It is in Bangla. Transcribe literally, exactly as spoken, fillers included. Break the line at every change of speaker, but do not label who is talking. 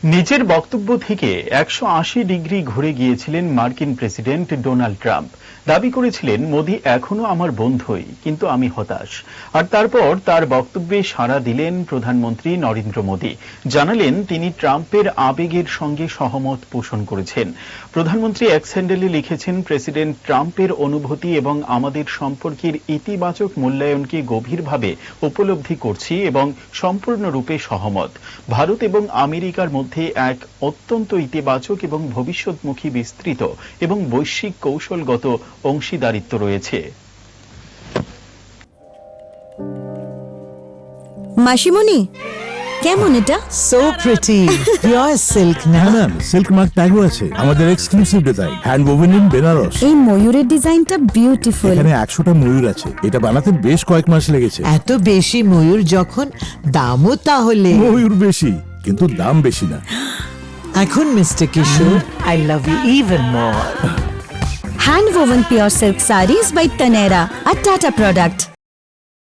নিজের বক্তব্য থেকে একশো আশি ডিগ্রি ঘুরে গিয়েছিলেন মার্কিন প্রেসিডেন্ট ডোনাল্ড ট্রাম্প। দাবি করেছিলেন, মোদি এখনো আমার বন্ধুই, কিন্তু আমি হতাশ। আর তারপর তার বক্তব্যে সাড়া দিলেন প্রধানমন্ত্রী নরেন্দ্র মোদি। জানালেন তিনি ট্রাম্পের আবেগের সঙ্গে সহমত পোষণ করেছেন। প্রধানমন্ত্রী এক স্যান্ডেলে লিখেছেন, প্রেসিডেন্ট ট্রাম্পের অনুভূতি এবং আমাদের সম্পর্কের ইতিবাচক মূল্যায়নকে গভীরভাবে উপলব্ধি করছি এবং সম্পূর্ণরূপে সহমত। ভারত এবং আমেরিকার মধ্যে এক অত্যন্ত ইতিবাচক এবং ভবিষ্যৎমুখী বিস্তৃত এবং বৈশ্বিক কৌশলগত অংশীদারিত্ব রয়েছে।
মাসিমণি, কেমন এটা?
সো প্রিটি, পিওর সিল্ক না?
ম্যাম, সিল্ক মার্ক ট্যাগও আছে। আমাদের exclusive design, hand woven in Benaras.
এই ময়ূরের ডিজাইনটা বিউটিফুল।
এখানে একশোটা ময়ূর আছে। এটা বানাতে বেশ কয়েক মাস লেগেছে।
এত বেশি ময়ূর যখন, দামও তাহলে।
ময়ূর বেশি, কিন্তু দাম বেশি না।
এখন mister Kishore, I love you even more.
Hand woven pure silk sarees by Taneira, a Tata product.